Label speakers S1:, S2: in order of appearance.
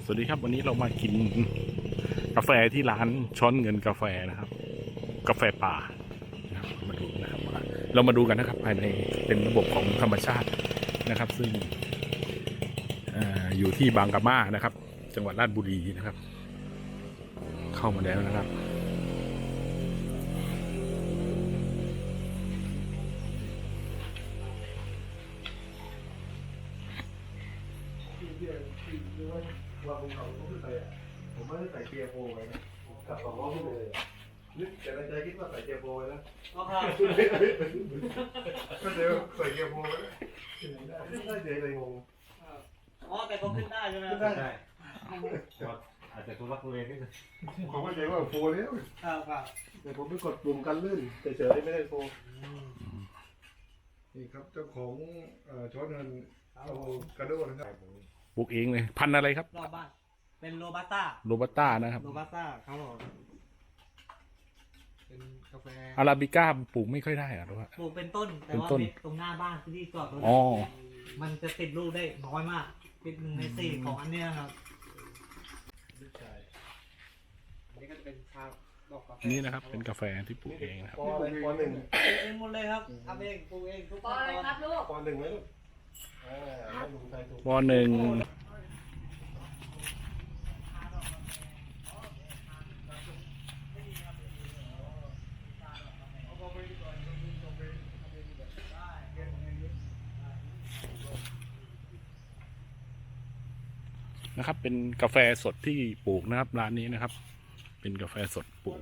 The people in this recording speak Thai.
S1: สวัสดีครับวันนี้เรามากินกาแฟที่ร้านช้อนเงินกาแฟนะครับกาแฟป่านะครับมาดูนะครับเรามาดูกันนะครับภายในเป็นระบบของธรรมชาตินะครับซึ่งอยู่ที่บางกะมานะครับจังหวัดราชบุรีนะครับ เข้ามาแล้วนะครับ
S2: ว่าผมเขาไม่ใส่ผมไม่ได้ใส่เกียร์โฟไว้นะขับสองล้อขึ้นเลยนึกแต่ในใจคิดว่าใส่เกียร์โฟไว้นะก็เดี๋ยวใส่เกียร์โฟไว้ได้เจ๊เลยงง
S3: อ๋อแต่เขาขึ้นได้ใช่ไหม
S2: ขึ้นได้
S4: อาจจะทุลักทุเลนิดนึง
S2: ผมก็ใจว่าโฟแล้ว
S3: ครับ
S2: แต่ผมไปกดปุ่มกันลื่นเฉยๆไม่ได้โฟนี่ครับเจ้าของช้อนเงินเอากระโดดนะครับ
S1: ปลูกเองเลยพันธุ์อะไรครับ
S3: รอบบ้านเป็นโรบัสต้า
S1: โรบัสต้านะครับ
S3: โรบัสต้าครับผม
S2: เป็นกาแฟ
S1: อาราบิก้าปลูกไม่ค่อยได้หรอว่า
S3: ปลูกเป็นต้นแต่ว่า
S1: เป็นต้น
S3: เม็ดตรงหน้าบ้านที่จอดรถ
S1: อ๋อ
S3: มันจะติดลูกได้น้อยมากติด1 ใน 4ของอันเนี้ยครับ
S2: ลูกชาย
S3: อันนี้ก็จะเป็นชาดอกกาแฟ
S1: นี่นะครับเป็นกาแฟที่ปลูกเองนะครับ
S2: ปออะไรปอหนึ่ง
S3: เองหมดเลยครับทำเองปลูกเองทุก
S5: ปอ
S3: ขั้น
S5: อะไร
S3: ตอน
S5: ครับลูก
S2: ปอหนึ่งไหมลูกให้ลุงไทยถูก
S1: วอหนึ่งนะครับเป็นกาแฟสดที่ปลูกนะครับร้านนี้นะครับ เป็นกาแฟสดปลูก